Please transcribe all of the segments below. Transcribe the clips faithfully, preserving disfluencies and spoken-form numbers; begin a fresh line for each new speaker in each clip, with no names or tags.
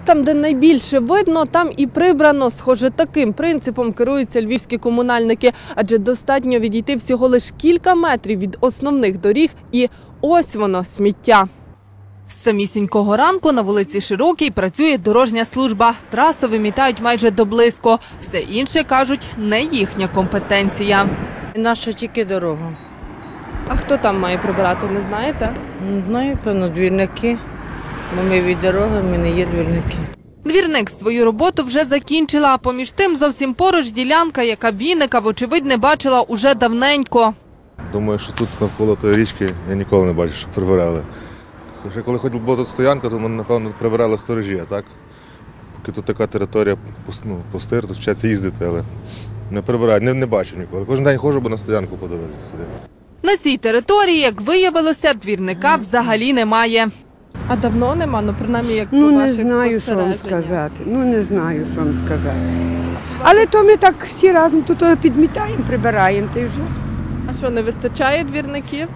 Там, де найбільше видно, там і прибрано. Схоже, таким принципом керуються львівські комунальники. Адже достатньо відійти всього лише кілька метрів від основних доріг і ось воно – сміття. З самісінького ранку на вулиці Широкій працює дорожня служба. Трасу вимітають майже доблизько. Все інше, кажуть, не їхня компетенція.
Наша тільки дорога.
А хто там має прибирати, не знаєте?
Не знаю, певно, двірники. Бо ми від дороги, ми не є двірники.
Двірник свою роботу вже закінчила, а поміж тим зовсім поруч ділянка, яка Вінника, вочевидь, не бачила уже давненько.
Думаю, що тут навколо тої річки я ніколи не бачив, що прибирали. Хоча коли була тут стоянка, то ми, напевно, прибирали сторожі, а так? Поки тут така територія, ну, пустир, тут вчаться їздити, але не прибирають, не, не бачив ніколи. Кожен день ходжу, бо на стоянку подивитися сюди.
На цій території, як виявилося, двірника взагалі немає. А давно нема? Ну, принаймні, як
Ну, не знаю, що вам сказати. Ну, не знаю, що вам сказати. Але то ми так всі разом тут підмітаємо, прибираємо, та й вже.
А що, не вистачає двірників?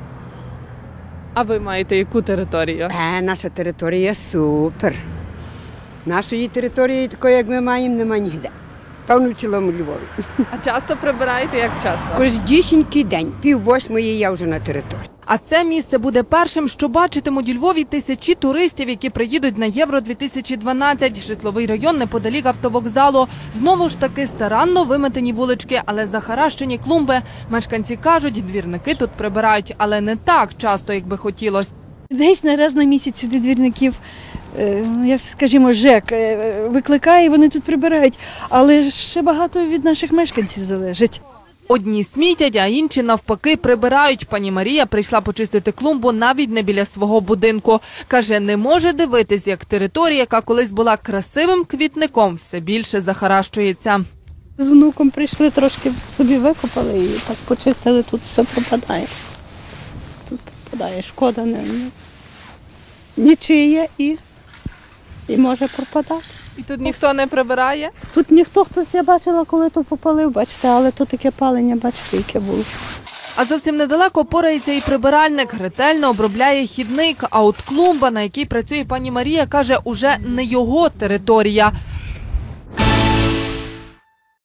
А ви маєте яку територію?
Е, наша територія супер. Нашої території, такої, як ми маємо, нема ніде. Певно, в цілому Львові.
А часто прибираєте? Як часто?
Кождісінький день, пів восьмої я вже на території.
А це місце буде першим, що бачитимуть у Львові тисячі туристів, які приїдуть на Євро дві тисячі дванадцять. Житловий район неподалік автовокзалу. Знову ж таки старанно виметені вулички, але захаращені клумби. Мешканці кажуть, двірники тут прибирають, але не так часто, як би хотілося.
Десь на раз на місяць сюди двірників, як скажімо, ЖЕК викликає, вони тут прибирають. Але ще багато від наших мешканців залежить.
Одні смітять, а інші навпаки прибирають. Пані Марія прийшла почистити клумбу навіть не біля свого будинку. Каже, не може дивитись, як територія, яка колись була красивим квітником, все більше захаращується.
З внуком прийшли, трошки собі викопали і так почистили, тут все пропадає. Тут пропадає, шкода не, нічиє і, і може пропадати.
І тут ніхто не прибирає?
Тут ніхто, хтось, я бачила, коли то попалив, бачите, але тут таке палення, бачите, яке було.
А зовсім недалеко порається і прибиральник, ретельно обробляє хідник. А от клумба, на якій працює пані Марія, каже, уже не його територія.